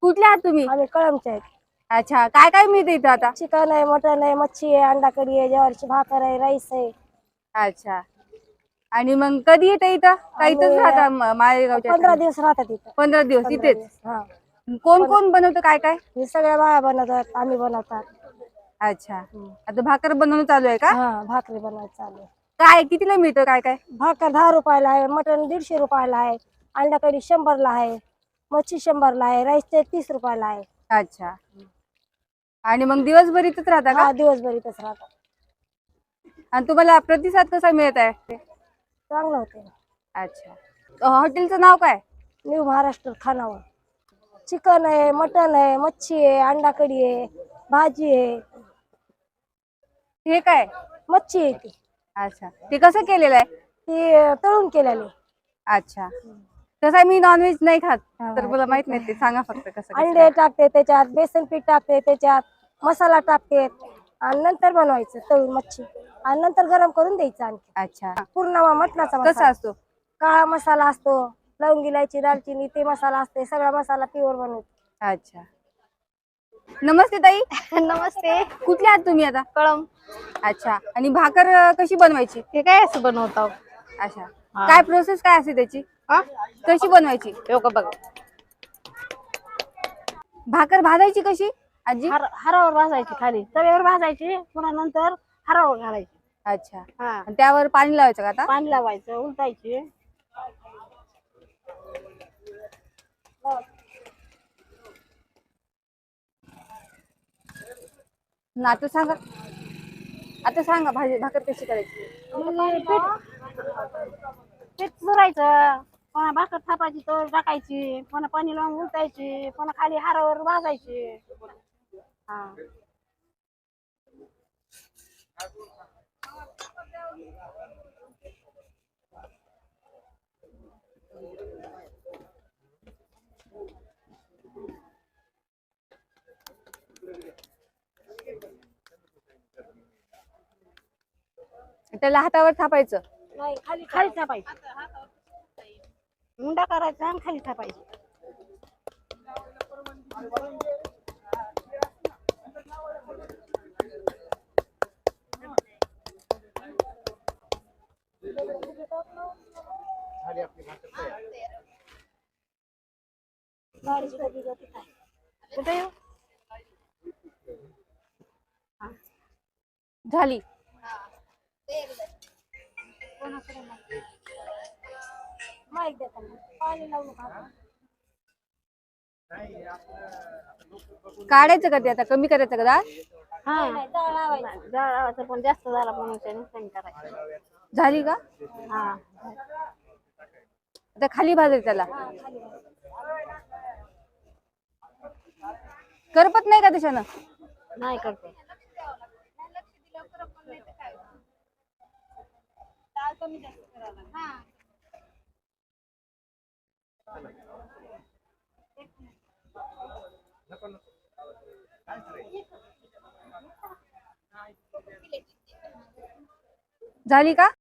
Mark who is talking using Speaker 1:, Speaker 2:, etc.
Speaker 1: कुठले आहात तुम्ही?
Speaker 2: आम्ही कळमचे आहेत.
Speaker 1: अच्छा, काय काय मिळतं इथं आता?
Speaker 2: चिकन आहे, मटन आहे, मच्छी आहे, अंडा कढी आहे, ज्वारीची भाकर आहे, राईस आहे.
Speaker 1: अच्छा, आणि मग कधी येतं इथं? का इथंच राहता माळेगावच्या?
Speaker 2: 15 दिवस राहतात इथं.
Speaker 1: 15 दिवस
Speaker 2: 15
Speaker 1: इथेच?
Speaker 2: दिवस हा.
Speaker 1: कोण कोण बनवतं काय काय?
Speaker 2: हे सगळ्या बाया बनवतात, आम्ही बनवतात.
Speaker 1: अच्छा, आता भाकर बनवणं चालू आहे का?
Speaker 2: हा, भाकरी बनवायचं चालू आहे.
Speaker 1: काय कितीला मिळतं काय काय?
Speaker 2: भाकर 10 रुपयाला आहे, मटन 150 रुपयाला आहे, अंडा कढी 100ला आहे, मच्छी 100ला आहे, राईस 30 रुपयाला आहे.
Speaker 1: अच्छा, आणि मग दिवसभर इथंच राहता का?
Speaker 2: हा, दिवसभर इथंच राहतात.
Speaker 1: आणि तुम्हाला प्रतिसाद कसा मिळत आहे?
Speaker 2: चांगलं होते.
Speaker 1: अच्छा, हॉटेलचं नाव काय?
Speaker 2: न्यू महाराष्ट्र खानावळ. चिकन आहे, मटन आहे, मच्छी आहे, अंडा कढी आहे, भाजी आहे.
Speaker 1: हे काय?
Speaker 2: मच्छी आहे ती.
Speaker 1: अच्छा, ते कसं केलेलं आहे?
Speaker 2: ती तळून केलेली.
Speaker 1: अच्छा, तसं मी नॉनव्हेज नाही खात, तर मला माहित नाही, ते सांगा फक्त कसं.
Speaker 2: अंडे टाकते त्याच्यात, बेसन पीठ टाकते त्याच्यात, मसाला टाकते आणि नंतर बनवायचं तळून मच्छी आणि नंतर गरम करून द्यायचं. आणखी
Speaker 1: अच्छा,
Speaker 2: पूर्ण मटणाचा
Speaker 1: कसा
Speaker 2: मसाला
Speaker 1: असतो?
Speaker 2: काळा मसाला असतो, लवंग इलायची दालचिनी ते मसाला असते, सगळा मसाला प्युअर बनवतो.
Speaker 1: अच्छा, नमस्ते ताई.
Speaker 3: नमस्ते.
Speaker 1: कुठले आहात तुम्ही आता?
Speaker 3: कळम.
Speaker 1: अच्छा, आणि भाकर कशी बनवायची?
Speaker 3: हे काय असं बनवतो?
Speaker 1: अच्छा, काय प्रोसेस काय असते त्याची? कशी बनवायची?
Speaker 3: बघ,
Speaker 1: भाकर भाजायची कशी आजी?
Speaker 3: हरावर भाजायची, खाली तव्यावर भाजायची, पुन्हा नंतर हरावर घालायची.
Speaker 1: अच्छा,
Speaker 3: हा,
Speaker 1: आणि त्यावर पाणी लावायचं का आता?
Speaker 3: पाणी लावायचं, उलटायची.
Speaker 1: आता सांगा, आता सांगा भाकर कशी करायची?
Speaker 3: पीठ चुरायचं, पुन्हा भाकर थापायची, तर टाकायची, पुन्हा पाणी लावून उलटायची, पुन्हा खाली हरावर भाजायची. हा,
Speaker 1: त्याला हातावर थापायचं?
Speaker 2: नाही,
Speaker 3: खाली थापायची, मुंडा करायचा आणि खाली थापायची. कुठे येऊ?
Speaker 1: झाली.
Speaker 2: माहिती देतात पाणी लावून
Speaker 1: काढायचं का ते आता? कमी करायचं का डाळ?
Speaker 3: हा, जाळ लावायचं, पण जास्त झाला म्हणून त्याने कमी करायचं.
Speaker 1: झाली का?
Speaker 3: हा,
Speaker 1: आता खाली भाजायचं त्याला? करपत नाही का त्याच्यानं?
Speaker 3: नाही करते.
Speaker 1: झाली का?